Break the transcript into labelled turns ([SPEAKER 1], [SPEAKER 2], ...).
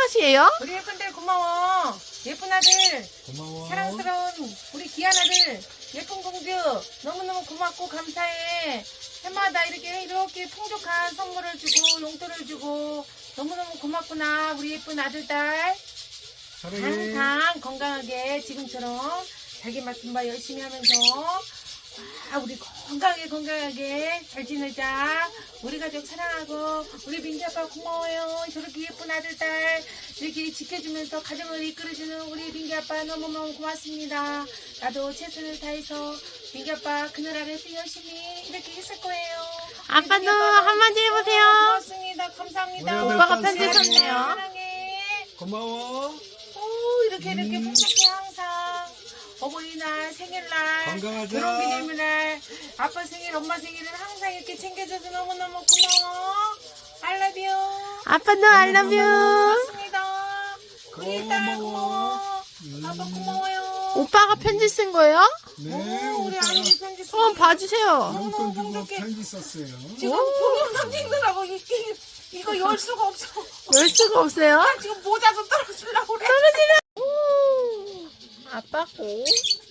[SPEAKER 1] 것이에요?
[SPEAKER 2] 우리 예쁜들 고마워. 예쁜 아들,
[SPEAKER 3] 고마워.
[SPEAKER 2] 사랑스러운 우리 귀한 아들, 예쁜 공주 너무너무 고맙고 감사해. 해마다 이렇게 풍족한 선물을 주고 용돈을 주고 너무너무 고맙구나. 우리 예쁜 아들딸
[SPEAKER 3] 사랑해.
[SPEAKER 2] 항상 건강하게 지금처럼 자기 맡은 바 열심히 하면서 우리 건강하게 잘 지내자. 우리 가족 사랑하고 우리 민기 아빠 고마워요. 저렇게 예쁜 아들딸 이렇게 지켜주면서 가정을 이끌어주는 우리 민기 아빠 너무너무 고맙습니다. 나도 최선을 다해서 민기 아빠 그늘 아래서 열심히 이렇게 했을 거예요.
[SPEAKER 1] 아빠도
[SPEAKER 2] 민기 아빠
[SPEAKER 1] 한마디 해보세요.
[SPEAKER 2] 고맙습니다. 감사합니다.
[SPEAKER 3] 우리
[SPEAKER 1] 오빠가
[SPEAKER 3] 아들
[SPEAKER 1] 편지
[SPEAKER 3] 사랑해.
[SPEAKER 1] 썼네요.
[SPEAKER 2] 사랑해.
[SPEAKER 3] 고마워.
[SPEAKER 2] 이렇게 풍족해 항상. 어버이날, 생일날,
[SPEAKER 3] 건강하자.
[SPEAKER 2] 결혼기념일날, 아빠 생일, 엄마 생일은 항상 이렇게 챙겨줘서 너무너무 고마워. I love you.
[SPEAKER 1] 아빠도 I love you.
[SPEAKER 2] 고맙습니다. 우리 딸 고마워. 아빠 고마워요.
[SPEAKER 1] 오빠가 편지 쓴 거예요?
[SPEAKER 3] 네,
[SPEAKER 2] 우리
[SPEAKER 3] 오빠가
[SPEAKER 2] 아들이 편지 쓰고
[SPEAKER 1] 한번 봐주세요.
[SPEAKER 3] 용돈 주고
[SPEAKER 2] 행복해.
[SPEAKER 3] 편지 썼어요.
[SPEAKER 2] 지금 동영상 찍느라고 이거 열 수가 없어.
[SPEAKER 1] 열 수가 없어요.
[SPEAKER 2] 지금 모자도 떨어지려고 그래.
[SPEAKER 1] 아빠 고.